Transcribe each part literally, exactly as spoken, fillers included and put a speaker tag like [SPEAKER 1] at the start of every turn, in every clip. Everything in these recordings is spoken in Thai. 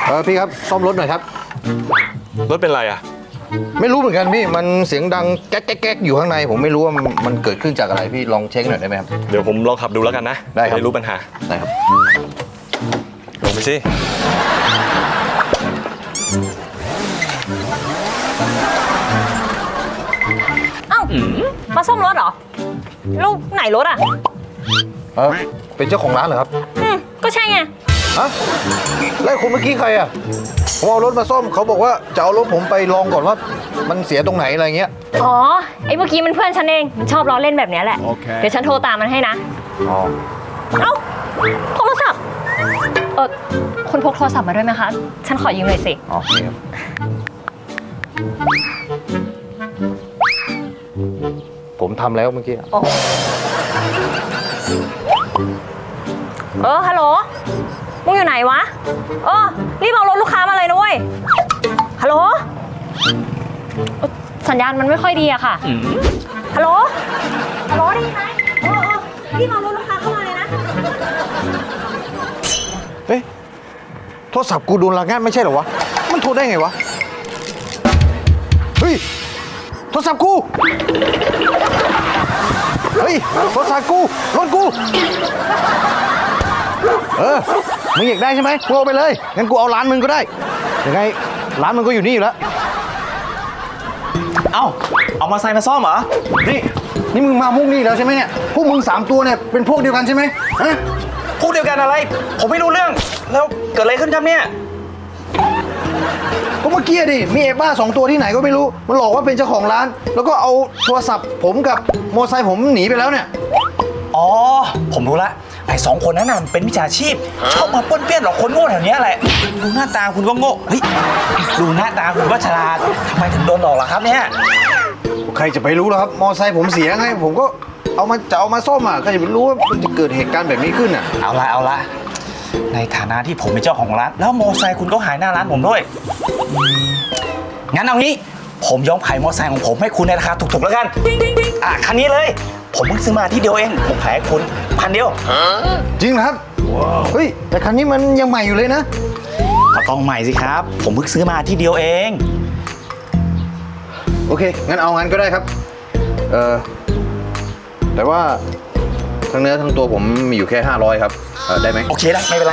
[SPEAKER 1] เออพี่ครับซ่อมรถหน่อยครับ
[SPEAKER 2] รถเป็นไรอ่ะ
[SPEAKER 1] ไม่รู้เหมือนกันพี่มันเสียงดังแก๊กแก๊กแก๊กอยู่ข้างในผมไม่รู้ว่ามันเกิดขึ้นจากอะไรพี่ลองเช็คหน่อยได้ไหมครับ
[SPEAKER 2] เดี๋ยวผมลองขับดูแล้วกันนะ
[SPEAKER 1] ได้ครับ
[SPEAKER 2] ไม่รู้ปัญหา
[SPEAKER 1] ได้ครับ
[SPEAKER 2] ลงไปสิ
[SPEAKER 3] เอ้ามาซ่อมรถเหรอลูกไหนรถอ่ะ
[SPEAKER 1] เออเป็นเจ้าของร้านเหรอครับ
[SPEAKER 3] อืมก็ใช่ไง
[SPEAKER 1] ฮะแล้วคนเมื่อกี้ใครอ่ะผมเอารถมาซ่อมเขาบอกว่าจะเอารถผมไปลองก่อนว่ามันเสียตรงไหนอะไรเงี้ย
[SPEAKER 3] อ๋อไอ้เมื่อกี้มันเพื่อนฉันเองมันชอบล้อเล่นแบบนี้แหละเดี๋ยวฉันโทรตามมันให้นะ
[SPEAKER 1] อ๋อ
[SPEAKER 3] เอ้าโทรศัพท์เออคุณพกโทรศัพท์มาด้วยไหมคะฉันขอยืมหน่อยสิ
[SPEAKER 1] อ๋อครับผมทำแล้วเมื่อกี้
[SPEAKER 3] โอ้เออฮัลโหลมึงอยู่ไหนวะเออรีบเอารถลูกค้ามาเลยนะเว้ยฮัลโหลสัญญาณมันไม่ค่อยดีอะค่ะฮัลโหลฮัลโหลได้ยินไหมเออเออรีบเอารถลูกค้าเข้ามาเลยนะ
[SPEAKER 1] เฮ้ยโทรศัพท์กูโดนลักงัดไม่ใช่เหรอวะมันโทรได้ไงวะเฮ้ยโทรศัพท์กูเฮ้ยโทรศัพท์กูรถกูเออมึงอยากได้ใช่ไหมกูเอาไปเลยงั้นกูเอาร้านมึงก็ได้ยังไงร้านมึงก็อยู่นี่อยู่แล้ว
[SPEAKER 4] เอ้าเอามาใส่มาซ่อมเหรอ
[SPEAKER 1] นี่นี่มึงมามุกนี่แล้วใช่ไหมเนี่ยพวกมึงสามตัวเนี่ยเป็นพวกเดียวกันใช่ไหมฮะ
[SPEAKER 4] พวกเดียวกันอะไรผมไม่รู้เรื่องแล้วเกิดอะไรขึ้นครับเนี่ย
[SPEAKER 1] ก็เมื่อกี้ดิมีเอบ้าสองตัวที่ไหนก็ไม่รู้มันหลอกว่าเป็นเจ้าของร้านแล้วก็เอาโทรศัพท์ผมกับมอเตอร์ไซค์ผมหนีไปแล้วเนี่ย
[SPEAKER 4] อ๋อผมรู้ละไอ้สองคนนั้นน่ะเป็นมิจฉาชีพชอบมาป้วนเปี้ยนหลอกคนโง่แถวนี้แหละดูหน้าตาคุณก็โง่เฮ้ยดูหน้าตาคุณก็ฉลาดทำไมถึงโดนหลอกล่ะครับเนี่ย
[SPEAKER 1] ใครจะไปรู้ล่ะครับมอเตอร์ไซค์ผมเสียไงผมก็เอามาจะเอามาซ่อมอ่ะใครจะไปรู้ว่ามันจะเกิดเหตุการณ์แบบนี้ขึ้นอ่ะ
[SPEAKER 4] เอาละเอาละในฐานะที่ผมเป็นเจ้าของร้านแล้วมอเตอร์ไซค์คุณก็หายหน้าร้านผมด้วยงั้นเอางี้ผมยอมขายมอเตอร์ไซค์ของผมให้คุณในราคาถูกๆแล้วกันอ่ะคันนี้เลยผมเพิ่งซื้อมาที่เดียวเองผมขายให้คุณพันเดียว
[SPEAKER 1] จริงครับเฮ้ยแต่คันนี้มันยังใหม่อยู่เลยนะ
[SPEAKER 4] ก็ต้องใหม่สิครับผมเพิ่งซื้อมาที่เดียวเอง
[SPEAKER 1] โอเคงั้นเอางั้นก็ได้ครับเออแต่ว่าทั้งเนื้อทั้งตัวผมมีอยู่แค่ห้าร้อยครับเออได้ไหม
[SPEAKER 4] โอเคได้ไม่เป็นไร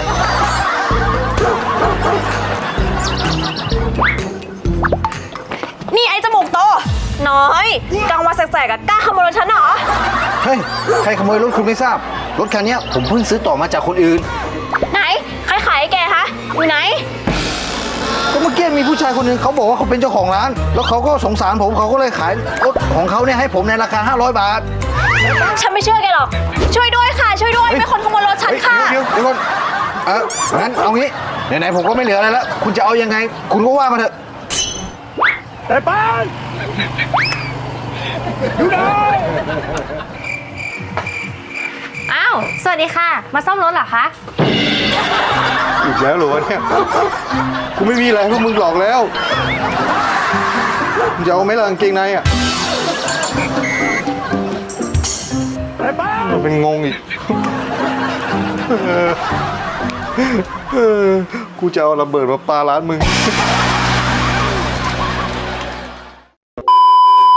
[SPEAKER 3] นี่ไอ้จมูกโตน้อยกลางวันแสกๆอะกล้าขโมยรถฉันเหรอ
[SPEAKER 1] เฮ้ยใครขโมยรถคุณไม่ทราบรถคันนี้ผมเพิ่งซื้อต่อมาจากคนอื่น
[SPEAKER 3] ไหนใครขายให้แกคะอยู่ไหน
[SPEAKER 1] ก็เมื่อกี้มีผู้ชายคนหนึ่งเขาบอกว่าเขาเป็นเจ้าของร้านแล้วเขาก็สงสารผมเขาก็เลยขายรถของเขาเนี่ยให้ผมในราคาห้าร้อยบาท
[SPEAKER 3] ฉันไม่เชื่อแกหรอกช่วยด้วยค่ะช่วยด้วยมีคนขโมยรถฉันค่ะ
[SPEAKER 1] เดี๋ยวเดี๋ยวก่อนเอองั้นเอางี้ไหนๆผมก็ไม่เหลืออะไรแล้วคุณจะเอายังไงคุณก็ว่ามาเถอะ
[SPEAKER 2] แต่ป้านอยู่ไหน
[SPEAKER 3] อ้าวสวัสดีค่ะมาซ่อมรถเหรอคะ
[SPEAKER 1] อีกแล้วเหรอวะเนี่ยกูไม่มีอะไรพวกมึงหลอกแล้วมึงจะเอาไหมล่ะกางเกงในอ่ะ
[SPEAKER 2] แต่ป้าน
[SPEAKER 1] มันเป็นงงอีกกูจะเอาระเบิดมาปาร้านมึง